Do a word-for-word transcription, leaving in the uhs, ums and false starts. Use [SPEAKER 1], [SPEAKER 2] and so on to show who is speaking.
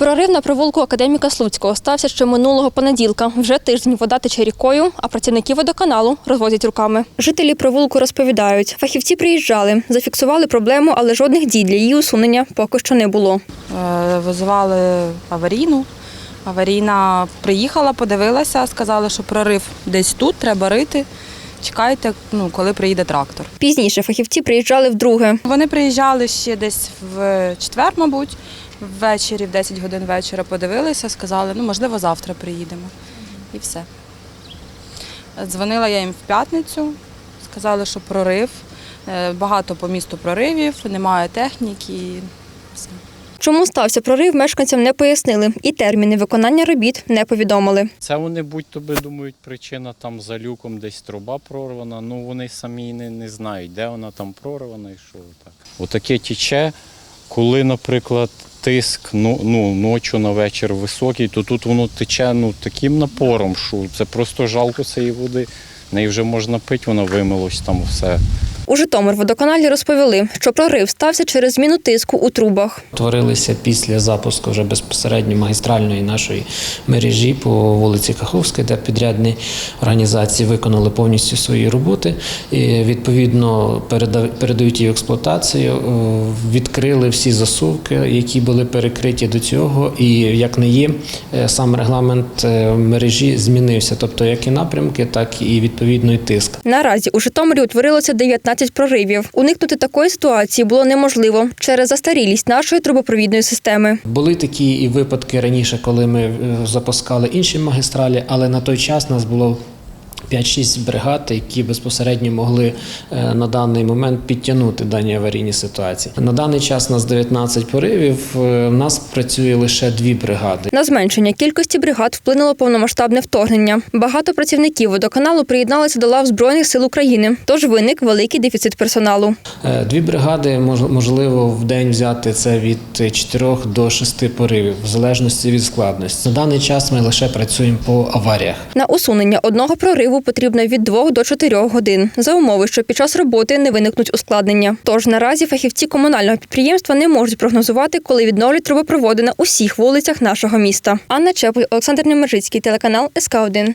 [SPEAKER 1] Прорив на провулку Академіка Слуцького стався ще минулого понеділка. Вже тиждень вода тече рікою, а працівники водоканалу розвозять руками. Жителі провулку розповідають, фахівці приїжджали, зафіксували проблему, але жодних дій для її усунення поки що не було.
[SPEAKER 2] Визивали аварійну. Аварійна приїхала, подивилася, сказали, що прорив десь тут, треба рити. Чекайте, ну, коли приїде трактор.
[SPEAKER 1] Пізніше фахівці приїжджали вдруге.
[SPEAKER 2] Вони приїжджали ще десь в четвер, мабуть, ввечері, в десять годин вечора подивилися, сказали, ну, можливо, завтра приїдемо. І все. Дзвонила я їм в п'ятницю, сказали, що прорив, багато по місту проривів, немає техніки і все.
[SPEAKER 1] Чому стався прорив, мешканцям не пояснили і терміни виконання робіт не повідомили.
[SPEAKER 3] Це вони будь-то би думають, причина там за люком десь труба прорвана, ну вони самі не, не знають, де вона там прорвана і що так. Отаке тече, коли, наприклад, тиск ну, ну, ночі на вечір високий, то тут воно тече ну, таким напором, що це просто жалко цієї води. Неї вже можна пити, воно вимилось там все.
[SPEAKER 1] У Житомирводоканалі розповіли, що прорив стався через зміну тиску у трубах.
[SPEAKER 4] Творилися після запуску вже безпосередньо магістральної нашої мережі по вулиці Каховській, де підрядні організації виконали повністю свої роботи. І, відповідно, передають її в експлуатацію, відкрили всі засувки, які були перекриті до цього. І, як не є, сам регламент мережі змінився. Тобто, як і напрямки, так і, відповідно, і тиск.
[SPEAKER 1] Наразі у Житомирі утворилося дев'ятнадцять проривів. Уникнути такої ситуації було неможливо через застарілість нашої трубопровідної системи.
[SPEAKER 4] Були такі і випадки раніше, коли ми запускали інші магістралі, але на той час нас було п'ять-шість бригад, які безпосередньо могли на даний момент підтягнути дані аварійні ситуації. На даний час у нас дев'ятнадцять поривів, у нас працює лише дві бригади.
[SPEAKER 1] На зменшення кількості бригад вплинуло повномасштабне вторгнення. Багато працівників водоканалу приєдналися до лав Збройних сил України, тож виник великий дефіцит персоналу.
[SPEAKER 4] Дві бригади можливо в день взяти це від чотирьох до шести поривів, в залежності від складності. На даний час ми лише працюємо по аваріях.
[SPEAKER 1] На усунення одного прориву потрібно від двох до чотирьох годин, за умови, що під час роботи не виникнуть ускладнення. Тож наразі фахівці комунального підприємства не можуть прогнозувати, коли відновлять трубопроводи на усіх вулицях нашого міста. Анна Чепель, Олександр Немержицький, телеканал ес ка один.